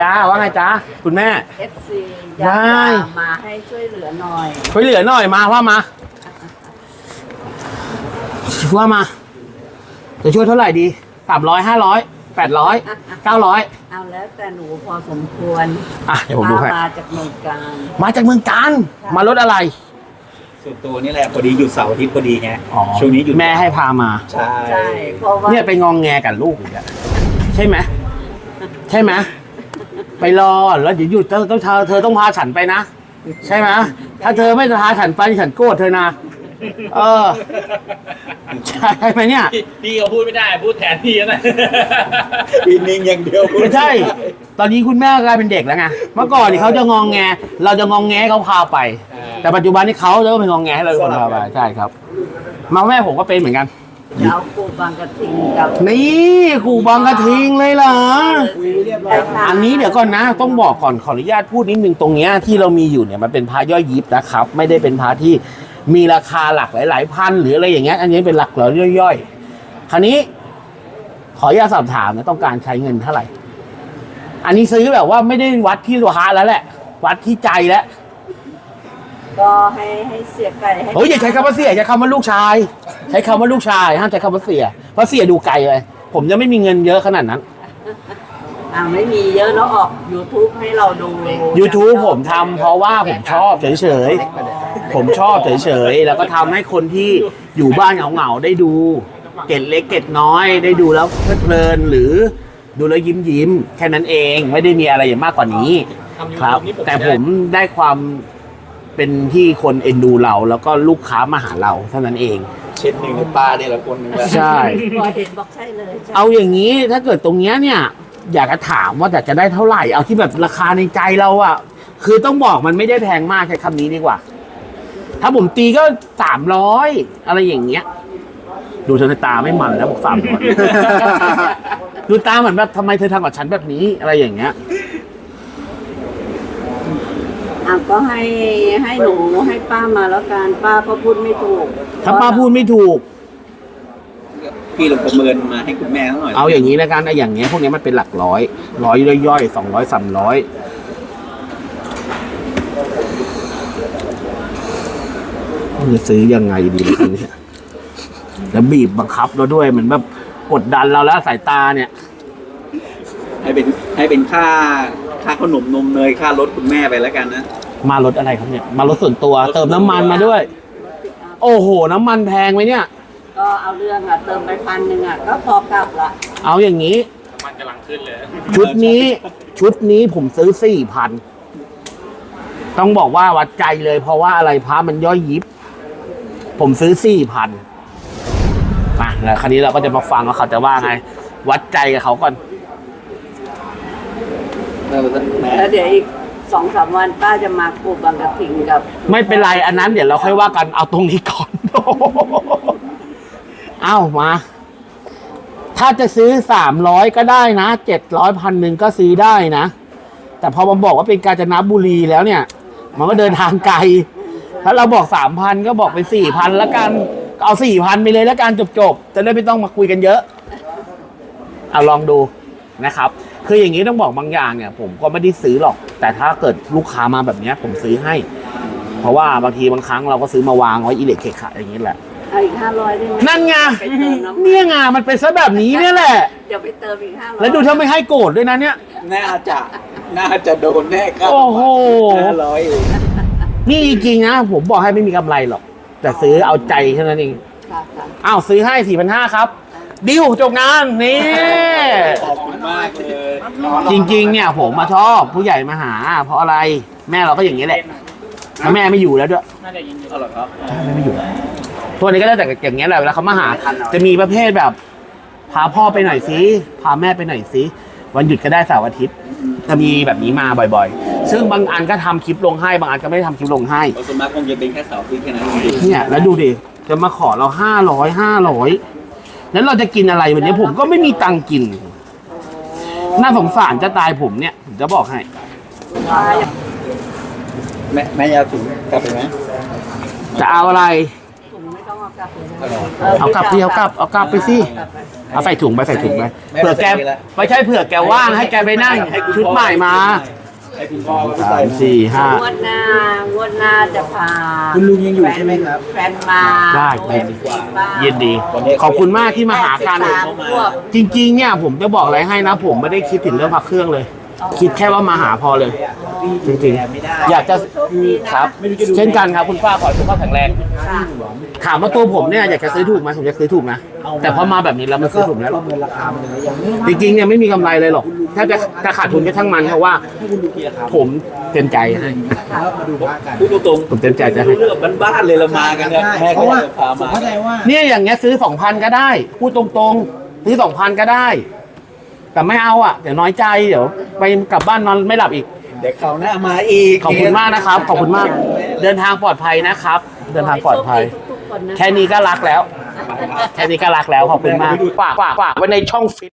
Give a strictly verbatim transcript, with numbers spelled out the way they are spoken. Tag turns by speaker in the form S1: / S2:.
S1: จ้าว่าไงจ้าคุณแม่
S2: เอฟซีอยากจะมาให้ช่วยเหลือหน่อย
S1: ช่วยเหลือหน่อยมาว่ามาว่ามาจะช่วยเท่าไหร่ดีสามร้อยห้าร้อยแปดร้อยเก้าร้อย
S2: เอาแล้วแต่หนูพอสมควร
S1: อ่ะเดี๋ยวผมดูให้
S2: มาจากเมืองการ
S1: มาจากเมืองการมารถอะไร
S3: ส่วนตัวนี่แหละพอดีหยุดเสาร์อาทิตย์พอดีไงช่วงนี้หยุด
S1: แม่ให้พามา
S3: ใช่
S2: ใช่เพราะว่า
S1: เนี่ยไปงองแงกับลูกอีกอะใช่ไหมใช่ไหมไปรอแล้วเดี๋ยวหยุดเธอต้องเธอเธอต้องพาฉันไปนะใช่ไหมถ้าเธอไม่พาฉันไปฉันโกรธเธอนะเออใช่ไหมเนี่ย
S4: พี่เขาพูดไม่ได้พูดแทนพี่นะ
S3: พี่นิ่งอย่างเดียว
S1: ไม่ใช่ตอนนี้คุณแม่กลายเป็นเด็กแล้วไงเมื่อก่อนนี่เขาจะงองแงเราจะงองแงเขาพาไปแต่ปัจจุบันนี้เขาจะเป็นงองแงให้เราคนพาไปใช่ครับมาแม่ผมก็เป็นเหมือนกัน
S2: เจ้ากูบางกระทิงกับ
S1: นี่กูบางกระทิงเลยเหรออันนี้เดี๋ยวก่อนนะต้องบอกก่อนขออนุญาตพูดนิดนึงตรงเนี้ยที่เรามีอยู่เนี่ยมันเป็นพระย่อยยิบนะครับไม่ได้เป็นพระที่มีราคาหลักหลายๆพันหรืออะไรอย่างเงี้ยอันนี้เป็นหลักร้อยย่อยๆคราวนี้ขออนุญาตสอบถามนะต้องการใช้เงินเท่าไหร่อันนี้ซื้อแบบว่าไม่ได้วัดที่ตัวฮาแล้วแหละวัดที่ใจแล้ว
S2: ก็ให้ให้เสียไก่ให้
S1: โอ้ยอย่าใช้คำว่าเสียใช้คำว่าลูกชายใช้คำว่าลูกชายห้ามใช้คำว่าเสียเพราะเสียดูไกลเลยผมจะไม่มีเงินเยอะขนาดนั้น
S2: อ่าไม่มีเยอะแล้วออก YouTube ให้เราดู
S1: YouTube ผมทำเพราะว่าผมชอบเฉยๆผมชอบเฉยๆแล้วก็ทำให้คนที่อยู่บ้านเหงาๆได้ดูเกร็ดเล็กเกร็ดน้อยได้ดูแล้วเพลิดเพลินหรือดูแล้วยิ้มยิ้มแค่นั้นเองไม่ได้มีอะไรอย่างมากกว่านี้ครับแต่ผมได้ความเป็นที่คนเอ็นดูเราแล้วก็ลูกค้ามาหาเราเท่านั้นเอง
S3: เช็ดหนึ่งในป้าเนี่ยละคนนึง
S1: ใช่
S2: พอเห็นบอกใช่เลย
S1: เอาอย่างนี้ถ้าเกิดตรงเนี้ยเนี่ยอยากจะถามว่าจะได้เท่าไหร่เอาที่แบบราคาในใจเราอะคือต้องบอกมันไม่ได้แพงมากใช้คำนี้ดีกว่าถ้าผมตีก็สามร้อยอะไรอย่างเงี้ยดูเธอตาไม่มันแล้วบอกสามร้อยดูตาเหมือนแบบทำไมเธอทำกับฉันแบบนี้อะไรอย่างเงี้ย
S2: อ่ะก็ให้ให้หนูให้ป้ามาแล้วกันป้าก็พูดไม่ถูก
S1: ถ้าป้าพูดไม่ถูก
S3: พี่ลงประเมินมาให้คุณแม่หน่อย
S1: เอาอย่างนี้แล้วกันไอ้อย่างเงี้ยพวกนี้มันเป็นหลักร้อยร้อยย่อยๆสองร้อยสามร้อยจะซื้อยังไงดีล่ะเนี่ยแล้วบีบบังคับเราด้วยเหมือนแบบกดดันเราแล้วสายตาเนี่ย
S3: ให้เป็นให้เป็นค่าค่าขนมนมเนยค่ารถคุณแม่ไปแล้วกันนะ
S1: มารถอะไรครับเนี่ยมารถส่วนตัวเติมน้ำมันมาด้วยโอ้โหน้ำมันแพงไหมเนี่ย
S2: ก็เอาเรื่องอ่ะเติมไปพันหนึ่งอ่ะก็พอกลับละ
S1: เอาอย่างนี้
S4: มันกำลังขึ้นเลย
S1: ชุดนี้ชุดนี้ผมซื้อสี่พันต้องบอกว่าวัดใจเลยเพราะว่าอะไรพระมันย่อยยิบผมซื้อสี่พันอ่ะแล้วคราวนี้เราก็จะมาฟังว่าเขาจะว่าไงวัดใจกับเขาก่อน
S2: แล้วเดี๋ยวอีกสองสามวันป้าจะมาปลูกบางกระถิ่งกับ
S1: ไม่เป็นไรอันนั้นเดี๋ยวเราค่อยว่ากันเอาตรงนี้ก่อนเอ้ามาถ้าจะซื้อสามร้อยก็ได้นะเจ็ดร้อยพันหนึ่งก็ซื้อได้นะแต่พอมาบอกว่าเป็นกาญจนบุรีแล้วเนี่ยมันก็เดินทางไกลถ้าเราบอกสามพันก็บอกไปสี่พันแล้วกันเอาสี่พันไปเลยแล้วกันจบๆจะได้ไม่ต้องมาคุยกันเยอะเอาลองดูนะครับคืออย่างนี้ต้องบอกบางอย่างเนี่ยผมก็ไม่ได้ซื้อหรอกแต่ถ้าเกิดลูกค้ามาแบบนี้ผมซื้อให้เพราะว่าบางทีบางครั้งเราก็ซื้อมาวางไว้อิเล็กเคขะอย่างนี้แหละ
S2: เอาอีกห้าร้อยได้ไหม
S1: นั่นไงเนี่ยไงมันเป็นซะแบบนี้เนี่ยแหละ
S2: เดี๋ยวไปเติมอีกห้าร้อย
S1: แล้วดูถ้าไม่ให้โกรธด้วยนะเนี่ย
S3: น่าจะน่าจะโดนแน่ครับ
S1: โอ้โห
S3: ห้าร้อย
S1: นี่จริงๆนะผมบอกให้ไม่มีกำไรหรอกแต่ซื้อเอาใจแค่นั้นเองอ้าวซื้อให้สี่พันห้าครับดิวจบงานนี่
S3: ขอบคุณมากเลย
S1: จริงๆเนี่ยผมมาชอบผู้ใหญ่มาหาเพราะอะไรแม่เราก็อย่างนี้แหละแล้วแม่ไม่อยู่แล้วด้วย
S4: น่าจะยินดี
S3: เอาหรอครับ
S1: แม่ไม่อยู่ตัวนี้ก็ได้แต่อย่างเงี้ยแหละเวลาเขามาหาจะมีประเภทแบบพาพ่อไปหน่อยสิพาแม่ไปหน่อยสิวันหยุดก็ได้เสาร์อาทิตย์จะมีแบบนี้มาบ่อยๆซึ่งบางอันก็ทำคลิปลงให้บางอันก็ไม่ได้ทำคลิปลงให้
S3: ส่วนมากคงจะเป็นแค่เสาร์อาทิตย์แค่นั้น
S1: เนี่ยแล้วดูดิจะมาขอเราห้าร้อยห้าร้อยแล้วเราจะกินอะไรวันนี้ผมก็ไม่มีตังกินน่าสงสารจะตายผมเนี่ยผมจะบอกให้
S3: แม่แม่ยาถุงกลับไปไหม
S1: จะเอาอะไร
S2: ถุงไม่ต้องเอากกลับเลยนะ
S1: เอากลับที่เอากลับเอากลับไปสิเอาใส่ถุงไปใส่ถุงไปเผื่อแกไม่ใช่เผื่อแกว่างให้แกไปนั่งชุดใหม่มา
S3: ให้คุณพ่อก็
S1: สา
S3: ใส่
S1: มสี่ห้าง
S2: วดหน้างวดหน้าจะพา
S3: คุณลุงยังอยู่ใช่ไหมครับ
S2: แฟนมา
S1: ได้
S2: โดยป้า
S1: ยินดี ขอบคุณมากที่มาหากัน
S2: แปดสิบสามขวบ
S1: จริงๆเนี่ยผมจะบอกอะไรให้นะ ผมไม่ได้คิดถึงเรื่องพักเครื่องเลย คิดแค่ว่ามาหาพอเลย จริงๆ อยากจะ
S2: โชคดีนะครับ
S1: เช่นกันครับคุณป้าขอให้สุขภาพแข็งแรง
S2: ค่ะ
S1: ถามว่าตัวผมเนี่ยอยากจะซื้อถูกไหมผมจะซื้อถูกนะแต่พอมาแบบนี้แล้วมันซื้อถูกแล้ว
S3: ประเมินราคามันเลยยัง
S1: จริงๆเนี่ยไม่มีกำไรเลยหรอกถ้าจะจะขาดทุนก็ช่างมันเพราะว่า
S3: ให้คุณดูกี่ราคา
S1: ผมเต็มใจให้
S3: แล้วมาดูว่ากันพูดตรง
S1: ผมเต็มใจจะให้
S3: เรื่องบ้านๆเลยเรามากันเนี่ยแม่
S5: เพ
S3: ก็
S5: ราะว่า
S3: จะพา
S5: ผม
S3: มา
S5: เข้าใจว่า
S1: เนี่ยอย่างเงี้ยซื้อสองพันก็ได้ พูดตรงๆ ซื้อสองพันก็ได้ แต่ไม่เอาอ่ะ เดี๋ยวน้อยใจเดี๋ยวไปกลับบ้านนอนไม่หลับอีก
S3: เดี๋ยวเขาวหน้ามาอีก
S1: ขอบคุณมากนะครับ ขอบคุณมาก เดินทางปลอดภัยนะครับ เดินทางปลอดภัย
S2: ทุกๆคนนะะ
S1: แค่นี้ก็รักแล้ว แค่นี้ก็รักแล้วขอบคุณมากฝากฝากฝากไว้ในช่องฟิต